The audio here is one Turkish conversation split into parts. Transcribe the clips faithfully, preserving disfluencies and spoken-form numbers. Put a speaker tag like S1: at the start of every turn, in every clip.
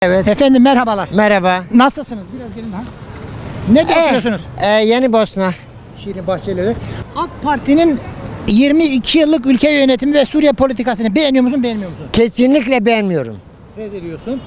S1: Evet.
S2: Efendim merhabalar.
S1: Merhaba.
S2: Nasılsınız? Biraz gelin ha. Nerede
S1: Ee,
S2: oturuyorsunuz?
S1: e, Yeni Bosna.
S2: Şirin Bahçeli'de. AK Parti'nin yirmi iki yıllık ülke yönetimi ve Suriye politikasını beğeniyor musun, beğenmiyor musun?
S1: Kesinlikle beğenmiyorum.
S2: Reddediyorsun.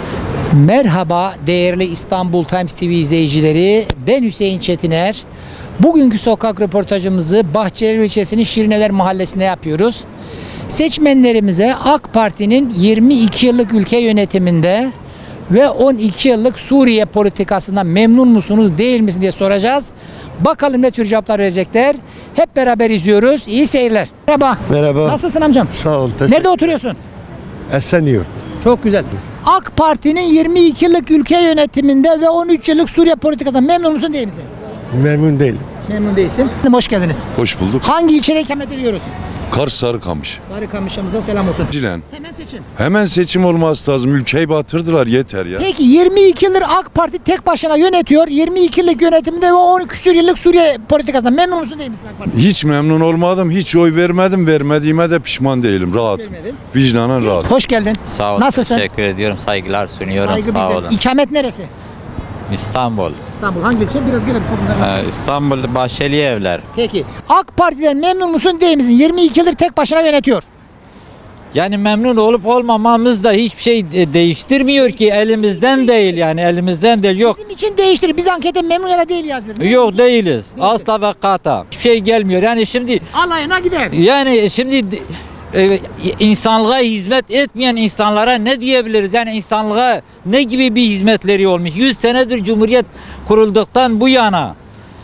S2: Merhaba değerli İstanbul Times T V izleyicileri. Ben Hüseyin Çetiner. Bugünkü sokak röportajımızı Bahçeli ilçesinin Şirineler mahallesinde yapıyoruz. Seçmenlerimize AK Parti'nin yirmi iki yıllık ülke yönetiminde ve on iki yıllık Suriye politikasından memnun musunuz, değil misiniz diye soracağız. Bakalım ne tür cevaplar verecekler. Hep beraber izliyoruz. İyi seyirler. Merhaba.
S3: Merhaba.
S2: Nasılsın amcam?
S3: Sağ ol. teşekkür-
S2: Nerede oturuyorsun?
S3: Esenyurt.
S2: Çok güzel. AK Parti'nin yirmi iki yıllık ülke yönetiminde ve on üç yıllık Suriye politikasından memnun musun, değil misin?
S3: Memnun değilim.
S2: Memnun değilsin. Hoş geldiniz.
S4: Hoş bulduk.
S2: Hangi ilçede ikamet ediyoruz?
S4: Kars Sarıkamış.
S2: Sarıkamış'ımıza selam olsun.
S4: Cilen.
S2: Hemen seçin.
S4: Hemen seçim olması lazım. Ülkeyi batırdılar, yeter ya.
S2: Peki yirmi iki yıldır AK Parti tek başına yönetiyor. yirmi iki yıllık yönetiminde ve on küsur yıllık Suriye politikasından memnun musun, değil misin AK Parti?
S4: Hiç memnun olmadım. Hiç oy vermedim. Vermediğime de pişman değilim. Rahat.
S2: Vermedin.
S4: Vicdanen rahat.
S2: Hoş geldin.
S5: Sağ olun.
S2: Nasılsın?
S5: Teşekkür ediyorum. Saygılar sunuyorum.
S2: Saygı
S5: Sağ
S2: bizden.
S5: olun.
S2: İkamet neresi?
S5: İstanbul.
S2: İstanbul. Hangi ilçe? Biraz gelelim, çok uzak.
S5: Ee, İstanbul Bahçeli Evler.
S2: Peki. AK Parti'den memnun musun, değil misin? yirmi iki yıldır tek başına yönetiyor.
S5: Yani memnun olup olmamamız da hiçbir şey de- değiştirmiyor ki, elimizden değil, yani elimizden değil, yok.
S2: Bizim için değiştirir. Biz ankete memnun ya da değil yazıyoruz.
S5: Yok değiliz. Asla ve kata. Hiçbir şey gelmiyor. Yani şimdi
S2: Alayına gider.
S5: yani şimdi e, insanlığa hizmet etmeyen insanlara ne diyebiliriz? Yani insanlığa ne gibi bir hizmetleri olmuş? yüz senedir Cumhuriyet kurulduktan bu yana.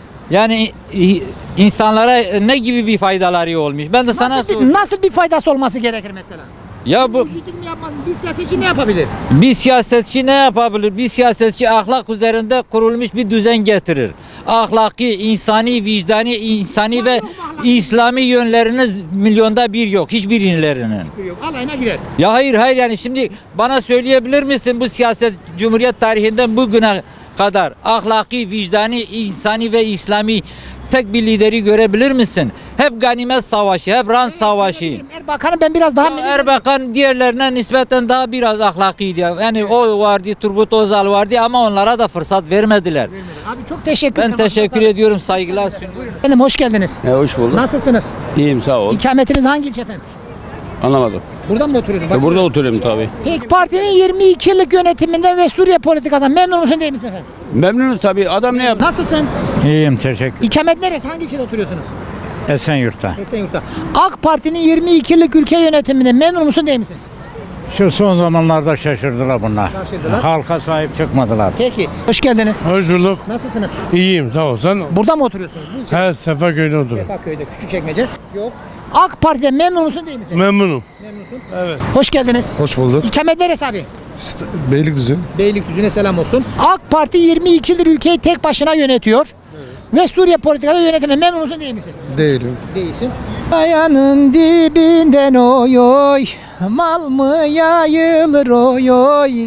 S5: Yani e, insanlara ne gibi bir faydaları olmuş? Ben de sana
S2: Nasıl
S5: sor-
S2: bir, nasıl bir faydası olması gerekir mesela?
S5: Ya bu
S2: Müşrik mi yapmaz? Bir siyasetçi ne yapabilir?
S5: bir siyasetçi ne yapabilir? Bir siyasetçi ahlak üzerinde kurulmuş bir düzen getirir. Ahlaki, insani, vicdani, insani ve İslami yönleriniz milyonda bir yok. Hiçbirinin.
S2: Yok. Alayına gider.
S5: Ya hayır hayır, yani şimdi bana söyleyebilir misin, bu siyaset Cumhuriyet tarihinden bugüne kadar ahlaki, vicdani, insani ve İslami tek bir lideri görebilir misin? Hep ganimet savaşı, hep rant savaşı.
S2: Erbakan'ı ben biraz daha...
S5: Ya Erbakan diğerlerine nispeten daha biraz ahlakiydi. Yani o vardı, Turgut Özal vardı ama onlara da fırsat vermediler.
S2: Abi çok teşekkür ederim.
S5: Ben teşekkür ediyorum, saygılar sunuyorum.
S2: Efendim hoş geldiniz.
S6: E, hoş bulduk.
S2: Nasılsınız?
S6: İyiyim sağ ol.
S2: İkametiniz hangi ilçe efendim?
S6: Anlamadım.
S2: Buradan mı oturuyorsunuz?
S6: E, burada oturuyorum tabii.
S2: Peki partinin yirmi iki yıllık yönetiminden ve Suriye politikasından memnun musun, değil misin efendim?
S6: Memnunuz tabii. Adam ne yaptı?
S2: Nasılsın?
S7: İyiyim teşekkür.
S2: İkamet neresi? Hangi ilçede oturuyorsunuz?
S7: Esenyurt'ta.
S2: Esenyurt'ta. AK Parti'nin yirmi iki yıllık ülke yönetiminden memnun musun, değil misin?
S7: Şu son zamanlarda şaşırdılar bunlar.
S2: Şaşırdılar.
S7: Halka sahip çıkmadılar.
S2: Peki. Hoş geldiniz.
S3: Hoş bulduk.
S2: Nasılsınız?
S3: İyiyim sağ ol. Sen
S2: Burada mı oturuyorsunuz? Bu ilçede.
S3: her Sefaköy'de otur.
S2: Sefaköy'de, Küçükçekmece. Yok. AK Parti'den memnun musun, değil misin?
S3: Memnunum.
S2: Memnunsun.
S3: Evet.
S2: Hoş geldiniz.
S3: Hoş bulduk.
S2: İkamet neresi abi?
S3: Beylikdüzü.
S2: Beylikdüzü'ne selam olsun. AK Parti yirmi iki yıldır ülkeyi tek başına yönetiyor. Ve Suriye politikası yönetimi memnun musun, değil misin?
S3: Değilim.
S2: Değilsin. Ayağının dibinden oy oy, mal mı yayılır oy oy.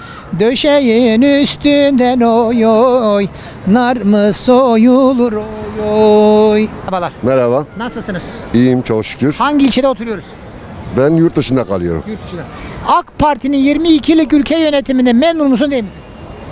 S2: Döşeğin üstünden oy oy, nar mı soyulur oy oy. Merhabalar.
S8: Merhaba,
S2: Nasılsınız?
S8: iyiyim çok şükür.
S2: Hangi ilçede oturuyoruz?
S8: Ben yurt dışında kalıyorum.
S2: Yurt dışında. AK Parti'nin yirmi iki yıllık ülke yönetiminde memnun musun, değil misin?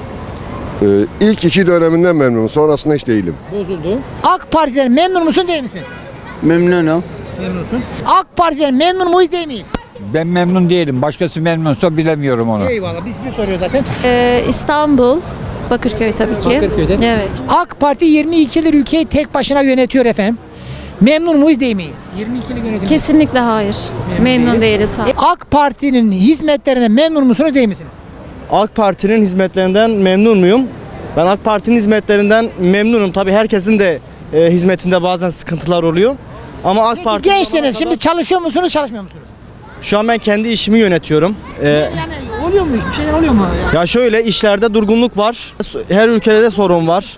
S8: Ee, ilk iki döneminden memnunum, sonrasında hiç değilim.
S2: Bozuldu. AK Parti'den memnun musun, değil misin?
S6: Memnunum.
S2: Memnunsun. AK Parti'den memnun muyuz, değil miyiz?
S9: Ben memnun değilim. Başkası memnunsa bilemiyorum onu.
S2: Eyvallah, biz size soruyoruz zaten.
S10: Ee, İstanbul, Bakırköy tabii ki.
S2: Bakırköy'de.
S10: Evet.
S2: AK Parti yirmi iki yıldır ülkeyi tek başına yönetiyor efendim. Memnun muyuz, değil miyiz? yirmi iki yıllık yönetim.
S10: Kesinlikle hayır. Memnun değiliz.
S2: E, AK Parti'nin hizmetlerine memnun musunuz, değil misiniz?
S11: AK Parti'nin hizmetlerinden memnun muyum? Ben AK Parti'nin hizmetlerinden memnunum. Tabii herkesin de e, hizmetinde bazen sıkıntılar oluyor. Ama AK
S2: Peki
S11: Parti
S2: gençsiniz, şimdi çalışıyor musunuz, çalışmıyor musunuz?
S11: şu an ben kendi işimi yönetiyorum. E,
S2: Yani oluyor mu? Bir şeyler oluyor mu? Ya?
S11: ya şöyle, işlerde durgunluk var. Her ülkede de sorun var.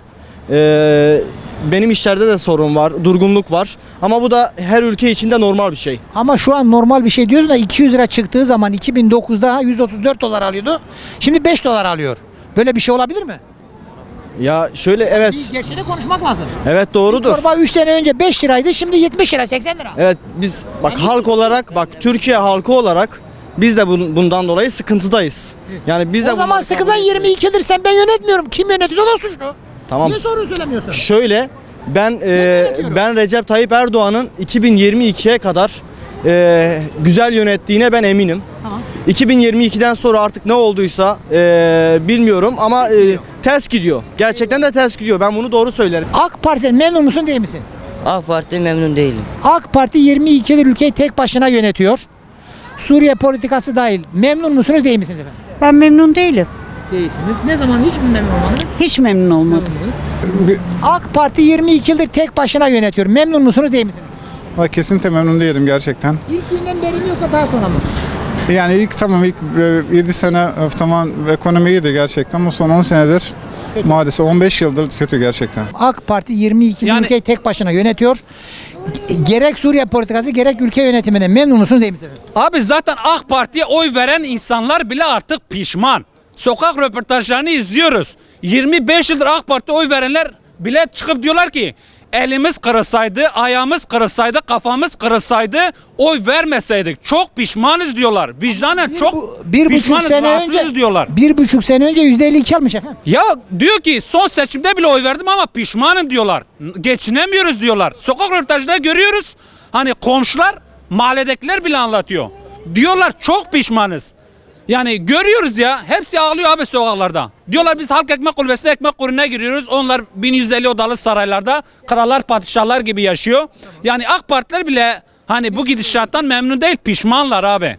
S11: E, benim işlerde de sorun var, durgunluk var. Ama bu da her ülke içinde normal bir şey.
S2: Ama şu an normal bir şey diyorsun da iki yüz lira çıktığı zaman iki bin dokuzda yüz otuz dört dolar alıyordu. Şimdi beş dolar alıyor. Böyle bir şey olabilir mi?
S11: Ya şöyle, evet.
S2: Bir gerçeği de konuşmak lazım.
S11: Evet, doğrudur.
S2: Çorba üç sene önce beş liraydı, şimdi yetmiş lira, seksen lira.
S11: Evet, biz bak halk olarak, bak Türkiye halkı olarak Biz de bun- bundan dolayı sıkıntıdayız. Yani biz de
S2: O zaman
S11: bunları
S2: sıkıntı
S11: kabul
S2: yirmi ikidir sen ben yönetmiyorum. Kim yönetiyorsa o da suçlu.
S11: Tamam.
S2: Niye soruyu söylemiyorsun?
S11: Şöyle ben e,
S2: yönetiyorum.
S11: ben Recep Tayyip Erdoğan'ın iki bin yirmi ikiye kadar e, güzel yönettiğine ben eminim.
S2: Tamam.
S11: iki bin yirmi ikiden sonra artık ne olduysa e, bilmiyorum ama e, ters gidiyor. Gerçekten de ters gidiyor. Ben bunu doğru söylerim.
S2: AK Parti'den memnun musun değil misin?
S1: AK Parti memnun değilim.
S2: AK Parti yirmi iki yıldır ülkeyi tek başına yönetiyor. Suriye politikası dahil. Memnun musunuz değil misiniz efendim?
S12: Ben memnun değilim.
S2: Değilsiniz. Ne zaman hiç mi memnun olmadınız?
S12: Hiç memnun olmadım.
S2: AK Parti yirmi iki yıldır tek başına yönetiyor. Memnun musunuz değil misiniz?
S3: Kesinlikle memnun değilim gerçekten.
S2: İlk günden beri mi yoksa daha sonra mı?
S3: Yani ilk tamam ilk yedi sene e, tamam ekonomi iyiydi gerçekten ama son on senedir maalesef on beş yıldır kötü gerçekten.
S2: AK Parti yirmi iki yıl
S5: Yani-
S2: ülkeyi tek başına yönetiyor. Gerek Suriye politikası gerek ülke yönetiminde memnun musunuz değil misiniz efendim?
S5: Abi zaten AK Parti'ye oy veren insanlar bile artık pişman. Sokak röportajlarını izliyoruz. yirmi beş yıldır AK Parti'ye oy verenler bile çıkıp diyorlar ki elimiz kırılsaydı, ayağımız kırılsaydı, kafamız kırılsaydı oy vermeseydik. Çok pişmanız diyorlar. Vicdanen çok
S2: Bir buçuk
S5: pişmanız,
S2: sene
S5: rahatsızız
S2: önce
S5: diyorlar.
S2: bir buçuk sene önce yüzde elli iki almış efendim.
S5: Ya diyor ki son seçimde bile oy verdim ama pişmanım diyorlar. Geçinemiyoruz diyorlar. Sokak röportajında görüyoruz. Hani komşular, mahalledekiler bile anlatıyor. Diyorlar çok pişmanız. Yani görüyoruz ya hepsi ağlıyor abi sokaklarda. Diyorlar biz halk ekmek kulübesine ekmek kuruna giriyoruz. Onlar bin yüz elli odalı saraylarda krallar padişahlar gibi yaşıyor. Yani AK Partiler bile hani bu gidişattan memnun değil, pişmanlar abi.